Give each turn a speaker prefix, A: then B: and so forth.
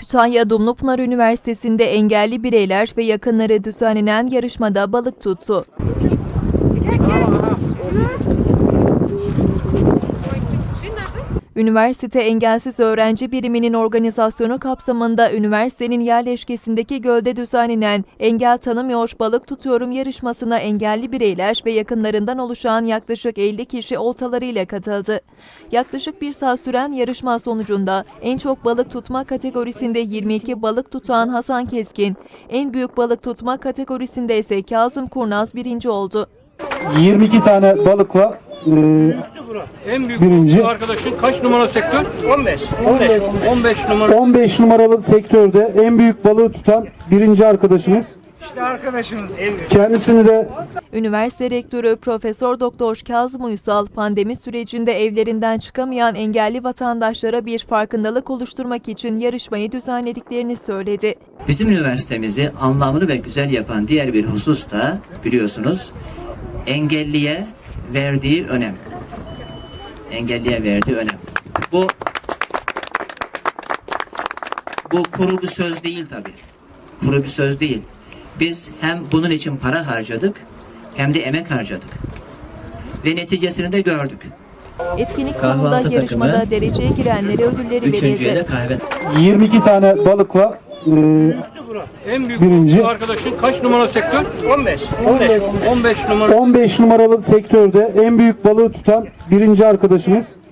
A: Kütahya Dumlupınar Üniversitesi'nde engelli bireyler ve yakınları düzenlenen yarışmada balık tuttu. Üniversite Engelsiz Öğrenci Biriminin organizasyonu kapsamında üniversitenin yerleşkesindeki gölde düzenlenen Engel Tanımıyor Balık Tutuyorum yarışmasına engelli bireyler ve yakınlarından oluşan yaklaşık 50 kişi oltalarıyla katıldı. Yaklaşık bir saat süren yarışma sonucunda en çok balık tutma kategorisinde 22 balık tutan Hasan Keskin, en büyük balık tutma kategorisinde ise Kazım Kurnaz birinci oldu.
B: 22 tane balıkla
C: en büyük
B: birinci.
C: Arkadaşın kaç numara sektör? 15 numara.
B: 15 numaralı sektörde en büyük balığı tutan birinci arkadaşımız.
C: İşte arkadaşımız en büyük.
B: Kendisini de
A: Üniversite Rektörü Profesör Doktor Kazım Uysal, pandemi sürecinde evlerinden çıkamayan engelli vatandaşlara bir farkındalık oluşturmak için yarışmayı düzenlediklerini söyledi.
D: Bizim üniversitemizi anlamlı ve güzel yapan diğer bir husus da biliyorsunuz engelliye verdiği önem. Engelliye verdiği önem. Bu kuru bir söz değil tabii. Kuru bir söz değil. Biz hem bunun için para harcadık hem de emek harcadık. Ve neticesini de gördük.
A: Etkinlik sonunda yarışmada dereceye girenlere ödülleri
D: Üçüncüye de
A: verildi.
D: kahve.
B: 22 tane balıkla
C: En büyük
B: birinci.
C: arkadaşın kaç numara sektör? 15 numara.
B: 15 numaralı sektörde en büyük balığı tutan birinci arkadaşımız.